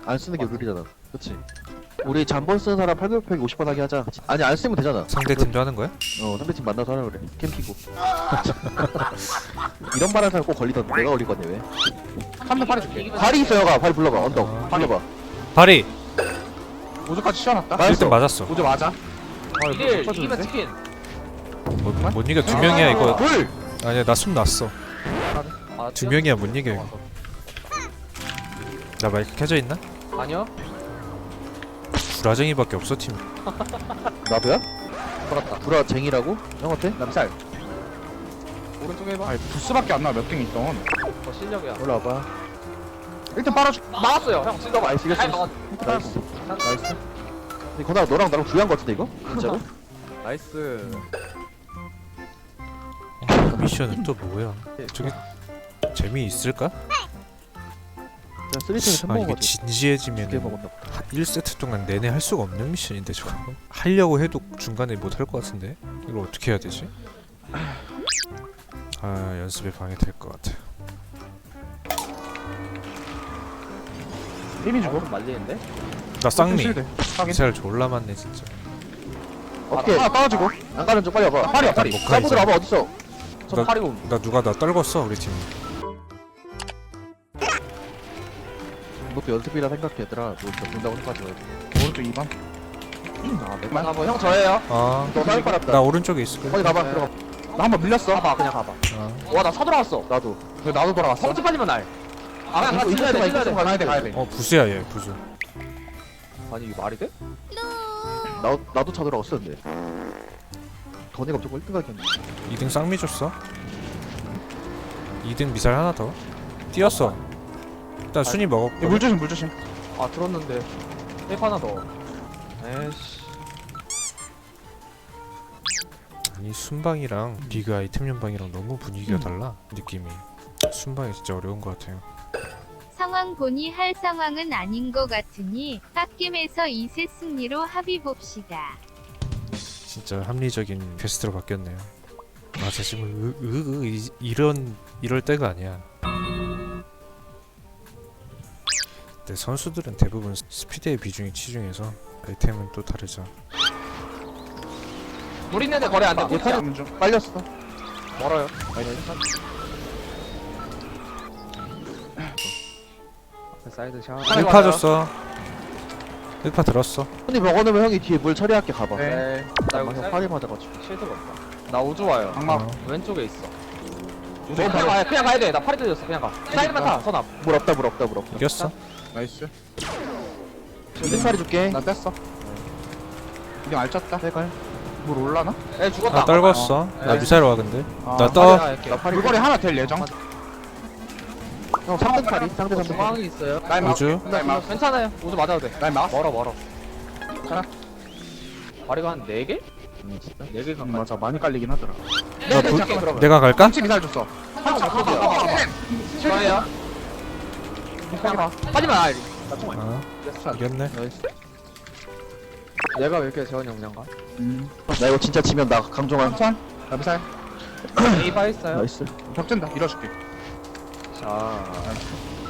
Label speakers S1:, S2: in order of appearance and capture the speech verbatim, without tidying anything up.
S1: 안 쓰는 게 룰이잖아. 그치? 우리 잠번 쓰는 사람 팔백 오십 번 하게 하자. 아니 안 쓰면 되잖아.
S2: 상대 팀도 하는 거야?
S1: 어 상대팀 만나서 하라 그래. 캠 키고. 이런 말 하는 사람 꼭 걸리던데. 내가 걸릴 건데 왜?
S3: 한 대 팔해줄게.
S1: 발이 있어 형아. 발 불러봐. 언덕.
S2: 아.
S1: 불러봐.
S2: 발이
S3: 우주까지 씌워놨다.
S1: 나이스.
S2: 일 등 맞았어.
S3: 우주 맞아.
S4: 일 이기면 치킨.
S2: 못, 못 이겨 두 명이야 이거.
S1: 불!
S2: 아니야 나 숨 났어.
S4: 아,
S2: 두 명이야 못 이겨 이거. 나 마이크 켜져 있나?
S4: 아니요.
S2: 구라쟁이밖에 없어 팀.
S1: 나도야? 돌았다. 불아 쟁이라고? 형한테?
S3: 남살.
S4: 오른쪽에 해봐.
S3: 아니 부스밖에 안 나와 몇 등 있던.
S4: 어 실력이야.
S1: 올라와봐.
S3: 일단 빨아줄.
S4: 막았어요. 형 진짜
S1: 나이스 이겼어.
S4: 잘 막았.
S1: 나이스. 나이스. 근데 건아 너랑 나랑 주의한 거 같은데 이거? 진짜로?
S4: 나이스.
S2: 어, 미션은 또 뭐야? 저게 재미있을까?
S1: 그냥 쓰리팀을
S2: 아 이게
S1: 햄버거지.
S2: 진지해지면
S1: 두개 먹었나 보다.
S2: 일 세트 동안 내내 할 수가 없는 미션인데 저거 하려고 해도 중간에 못 할 것 같은데 이걸 어떻게 해야 되지? 아 연습에 방해될 것 같아.
S3: 힘이 주고.
S4: 좀 말리는데?
S2: 나 쌍미
S3: 실드. 확인.
S2: 미사일 졸라 많네 진짜.
S1: 어떻게?
S3: 하나 따라주고.
S1: 안 가는 좀 빨리 와봐.
S3: 팔이야 팔이.
S2: 못 가,
S1: 사이버들
S2: 이제.
S1: 와봐 어딨어?
S4: 저
S2: 나-
S4: 팔이고.
S2: 나 누가 나 떨궜어 우리 팀.
S1: 이것도 연습이라 생각해 얘들아. 너 진짜 본다고 생각하지 말고.
S3: 오른쪽 이 번. 아 맥만.
S4: 아, 뭐형 저예요.
S2: 아,
S1: 너 사이버 빨았다.
S2: 나 오른쪽에 있을 거야.
S1: 거기 가봐.
S4: 네.
S1: 들어가.
S3: 나 한 번 밀렸어.
S4: 가봐 그냥 가봐.
S2: 아.
S4: 와 나 사돌아왔어.
S1: 나도.
S3: 왜 나도 돌아갔어.
S4: 성지 빠지면 날. 아 그냥
S1: 이거
S4: 같이 찔러야 돼.
S1: 이거
S4: 찔러야 돼.
S1: 이거
S3: 가야 돼 가야 돼.
S2: 어 부수야 얘 부수.
S4: 아니 이게 말이 돼?
S1: 나 나도 차 들어갔었는데. 더니가 무조건 일 등 가겠네.
S2: 이 등 쌍미 줬어. 이 등 미사일 하나 더. 뛰었어. 일단 순위 먹었고.
S3: 물 조심 물 조심.
S4: 아 들었는데. 테이프 하나 더. 에이씨.
S2: 아니 순방이랑 리그 아이템 연방이랑 너무 분위기가 달라 느낌이. 순방이 진짜 어려운 것 같아요.
S5: 상황 보니 할 상황은 아닌 것 같으니 빡겜에서 이 세 승리로 합의 봅시다.
S2: 진짜 합리적인 퀘스트로 바뀌었네요. 맞아 지금 으, 으, 으, 이, 이런 이럴 때가 아니야. 근데 선수들은 대부분 스피드의 비중이 치중해서 아이템은 또 다르죠.
S4: 물 있는데 거래 안 돼. 물
S3: 못하는 중.
S1: 빨렸어.
S4: 멀어요. 앞에 사이드 샷.
S2: 일 파 줬어. 일 파 들었어.
S1: 손이 먹어놓으면 형이 뒤에 물 처리할게 가봐.
S3: 네.
S4: 네. 나
S1: 나
S4: 여기
S1: 형 팔이 맞아가지고.
S4: 실드가 없다. 나 우주 와요.
S3: 악마.
S2: 어.
S4: 왼쪽에 있어.
S3: 우주
S4: 그냥
S3: 바로.
S4: 가야 그냥 가야 돼. 나 팔이 뜯었어. 그냥 가. 사이드만 타. 선앞.
S1: 물 없다 물 없다 물 없다.
S2: 이겼어.
S3: 나이스.
S1: 일 팔이 줄게.
S3: 나 뗐어. 이제 알찼다.
S1: 해갈.
S3: 물 올라나?
S4: 에 죽었다.
S2: 나 떨궜어.
S4: 어.
S2: 나
S4: 네.
S2: 미사일 와 근데.
S3: 아,
S2: 나 떠.
S4: 이렇게.
S1: 나 팔이.
S3: 물거리 하나 될 예정.
S1: 형 삼 등 팔이. 상대 삼 등 팔이.
S4: 중앙이 있어요.
S3: 라인 막.
S2: 우주.
S3: 라인 막.
S4: 괜찮아요. 우주 맞아도 돼.
S3: 라인 막.
S4: 멀어 멀어.
S3: 하나.
S4: 발이가 한 네 개?
S1: 음, 진짜.
S4: 네 개
S3: 음,
S4: 가까이.
S3: 맞아 많이 깔리긴 하더라.
S4: 네,
S2: 부-
S4: 네, 그러면.
S2: 내가 갈까?
S3: 깜치 미사일 줬어.
S4: 한 번 가봐. 좋아요. 그냥 가. 빠지면 알.
S2: 아 이겼네.
S1: 나이스.
S4: 내가 왜 이렇게 재원이 형 그냥 가?
S3: 음.
S1: 나 이거 진짜 지면 나 강종환.
S3: 천. 나 미사일.
S4: 에이파 했어요.
S1: 나이스.
S3: 벽진다. 밀어줄게.
S4: 자.